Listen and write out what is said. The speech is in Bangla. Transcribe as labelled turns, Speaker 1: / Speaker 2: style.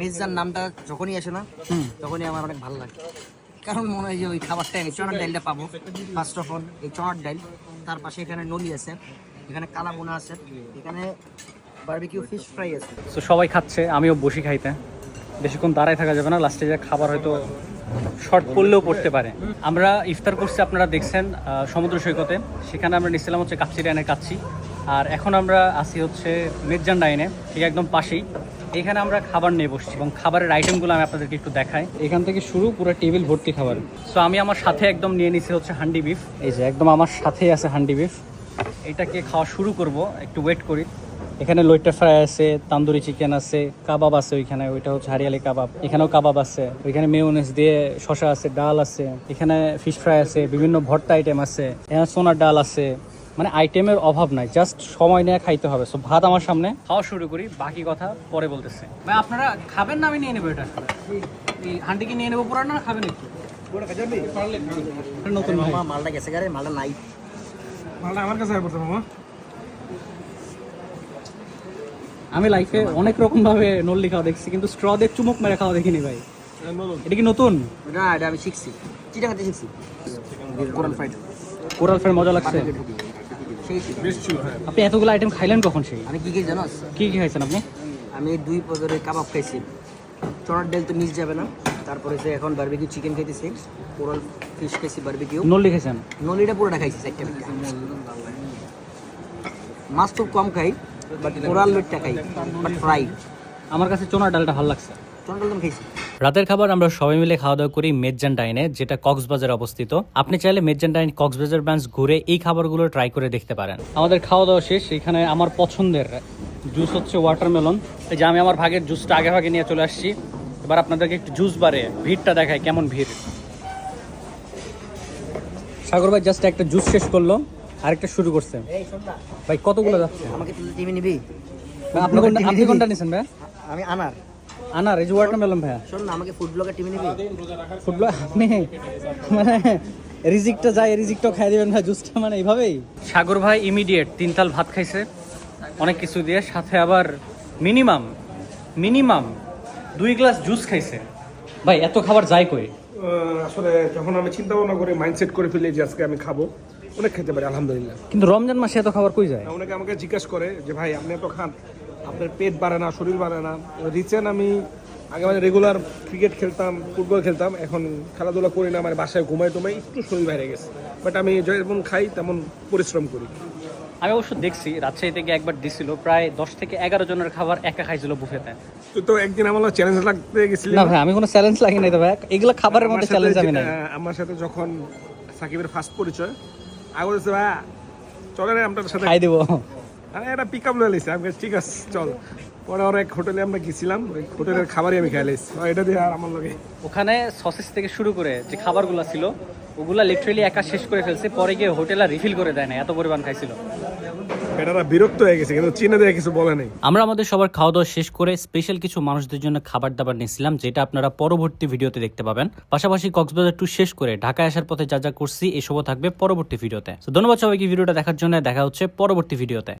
Speaker 1: মেজান নামটা যখনই আসে না তখনই আমার অনেক ভালো লাগে, কারণ মনে হয় যে ওই খাবারটা আমি চনার ডালটা পাবো। ফার্স্ট অফ অল এই চনার ডাল, তার পাশে এখানে নলি আছে, এখানে কালা বোনা আছে, এখানে বারবিকিউ ফিশ ফ্রাই আছে।
Speaker 2: তো সবাই খাচ্ছে, আমিও বসি খাইতে। বেশিক্ষণ দাঁড়ায় থাকা যাবে না, লাস্টে যে খাবার হয়তো শর্ট পড়লেও পড়তে পারে। আমরা ইফতার করছি, আপনারা দেখছেন সমুদ্র সৈকতে, সেখানে আমরা নিচ্ছিলাম হচ্ছে কাচ্চি ডাইনের কাচ্চি। আর এখন আমরা আসি হচ্ছে মেজান ডাইনে, ঠিক একদম পাশেই। এখানে আমরা খাবার নিয়ে বসছি এবং খাবারের আইটেমগুলো আমি আপনাদেরকে একটু দেখাই। এখান থেকে শুরু পুরো টেবিল ভর্তি খাবার। সো আমি আমার সাথে একদম নিয়ে নিছি হচ্ছে হান্ডি বিফ। এই যে একদম আমার সাথেই আছে হান্ডি বিফ, এটাকে খাওয়া শুরু করব, একটু ওয়েট করি। এখানে লইট্টা ফ্রাই আছে, তান্দুরি চিকেন আছে, কাবাব আছে ওইখানে, ওইটা হচ্ছে হারিয়ালি কাবাব, এখানেও কাবাব আছে, ওইখানে মেয়োনেজ দিয়ে শসা আছে, ডাল আছে, এখানে ফিশ ফ্রাই আছে, বিভিন্ন ভর্তা আইটেম আছে, এখানে সোনার ডাল আছে। মানে আইটেমের অভাব নাই, জাস্ট সময় নিয়ে খাইতে হবে। সো ভাত আমার সামনে, খাওয়া শুরু করি, বাকি কথা পরে বলতেছে। ভাই আপনারা খাবেন না আমি নিয়ে নেবো? এটা এই হান্ডি কি নিয়ে নেবো পুরো, না খাবেন একটু? নতুন
Speaker 1: মালটা গেছে গারে, মালটা নাই,
Speaker 3: মালটা আমার কাছে পড়ছে মামা।
Speaker 2: আমি লাইফে অনেক রকম ভাবে নল্লি খাওয়া দেখছি, কিন্তু স্ট্র দিয়ে চুমুক মেরে খাওয়া দেখিনি ভাই। এটা কি নতুন?
Speaker 1: না এটা আমি শিখছি, চিটাগাতে শিখছি। কোরাল ফ্রাইড,
Speaker 2: কোরাল ফ্রাই মজা লাগছে।
Speaker 1: সেই
Speaker 2: আপনি এতগুলো আইটেম খাইলেন কখন? সেই
Speaker 1: আমি কি জানো,
Speaker 2: কি কি খাইছেন আপনি?
Speaker 1: আমি 2 প্রকারের কাবাব খাইছি, চনার ডাল তো মিস যাবে না। তারপরে যে এখন বারবিকিউ চিকেন খাইতেছি, কোরাল ফিশ খাইছি, বারবিকিউ
Speaker 2: নল্লি খাইছেন?
Speaker 1: নলিটা পুরোটা খাইছি, একটা মাছ খুব কম খাই, বাট কোরাল লইটটা খাই, বাট ফ্রাই।
Speaker 2: আমার কাছে চোনার ডালটা ভালো লাগছে।
Speaker 1: চনার ডাল আমি খাইছি।
Speaker 2: রাতের খাবার আমরা সবাই মিলে খাওয়া দাওয়া করি মেজান ডাইনে, যেটা কক্সবাজারে অবস্থিত। আপনি চাইলে মেজান ডাইন কক্সবাজার ব্রাঞ্চ ঘুরে এই খাবারগুলো ট্রাই করে দেখতে পারেন। আমাদের খাওয়া দাওয়া শেষ। এখানে আমার পছন্দের জুস হচ্ছে ওয়াটারমেলন। এই যে আমি আমার ভাগের জুসটা আগে ভাগে নিয়ে চলে আসছি। এবার আপনাদেরকে একটু জুস বারে ভিড়টা দেখায়, কেমন ভিড়। সাগর ভাই জাস্ট একটা জুস শেষ করলো, আরেকটা শুরু করছে। ভাই কতগুলো যাচ্ছে?
Speaker 1: আমাকে তুই টিমে নিবি?
Speaker 2: আপনি কোনটা নিছেন ভাই?
Speaker 1: আমি আনার।
Speaker 2: আনার, এই যে ওয়াটারমেলন ভাইয়া।
Speaker 1: শোন না, আমাকে ফুড ব্লগার টিমে নিবি?
Speaker 2: ফুটবল আপনি মানে রিজিকটা যায়, রিজিকটাও খাই দিবেন ভাই, জুসটা মানে এইভাবেই। সাগর ভাই ইমিডিয়েট 3 তাল ভাত খাইছে অনেক কিছু দিয়ে, সাথে আবার মিনিমাম 2 গ্লাস জুস খাইছে। ভাই এত খাবার যায় কই?
Speaker 3: আসলে যখন আমি চিন্তা ভাবনা করে মাইন্ডসেট করে ফেলি যে আজকে আমি খাবো, অনেক খেতে পারি আলহামদুলিল্লাহ।
Speaker 2: কিন্তু রমজান মাসে এত খাবার কই যায়?
Speaker 3: অনেকে আমাকে জিজ্ঞাসা করে যে ভাই আপনি এত খান, আপনার পেট বাড়ে না, শরীর বাড়ে না? রিসেন্ট আমি আগে মানে রেগুলার ক্রিকেট খেলতাম, ফুটবল খেলতাম, এখন খেলাধুলা করি না, মানে বাসায় ঘুমাই টুমাই, একটু শরীর বাইরে গেছে। বাট আমি যেমন খাই তেমন পরিশ্রম করি।
Speaker 2: আমি অবশ্য দেখছি রাজশাহী থেকে একবার দিছিল, প্রায় 10 থেকে 11 জনের খাবার একা খাইছিল বুফেতে।
Speaker 3: তুই তো একদিন আমার চ্যালেঞ্জ লাগতে গেছিলি।
Speaker 2: না ভাই আমি কোনো চ্যালেঞ্জ লাগি নাই তো ভাই, এগুলো খাবারের মধ্যে চ্যালেঞ্জ আমি নাই।
Speaker 3: আমার সাথে যখন সাকিবের ফার্স্ট পরিচয়, আগে বলছে ভাই চলে না আপনার সাথে
Speaker 2: খাই দেবো।
Speaker 3: আমি একটা পিক আপ লইছি, আমি ঠিক আছে চল। পরে ওর এক হোটেলে আমরা গেছিলাম, ওই হোটেলের খাবারই আমি খাই লাইছি, এটা দিয়ে আর আমার লগে।
Speaker 2: ওখানে সসেস থেকে শুরু করে যে খাবারগুলো ছিল ওগুলা লিটারালি একা শেষ করে ফেলছে, পরে গিয়ে হোটেলে রিফিল করে দেয় না, এত পরিমাণ খাইছিল।
Speaker 3: বেটারা বিরক্ত হয়ে গেছে, কিন্তু চিনে দেয় কিছু বলে নাই।
Speaker 2: আমরা আমাদের সবার খাওয়া দাওয়া শেষ করে স্পেশাল কিছু মানুষদের জন্য খাবার দাবার নিয়েছিলাম, যেটা আপনারা পরবর্তী ভিডিওতে দেখতে পাবেন। পাশাপাশি কক্সবাজার ট্যুর শেষ করে ঢাকায় আসার পথে যা যা করছি এসবও থাকবে পরবর্তী ভিডিওতে। তো ধন্যবাদ সবাইকে ভিডিওটা দেখার জন্য, দেখা হচ্ছে পরবর্তী ভিডিওতে।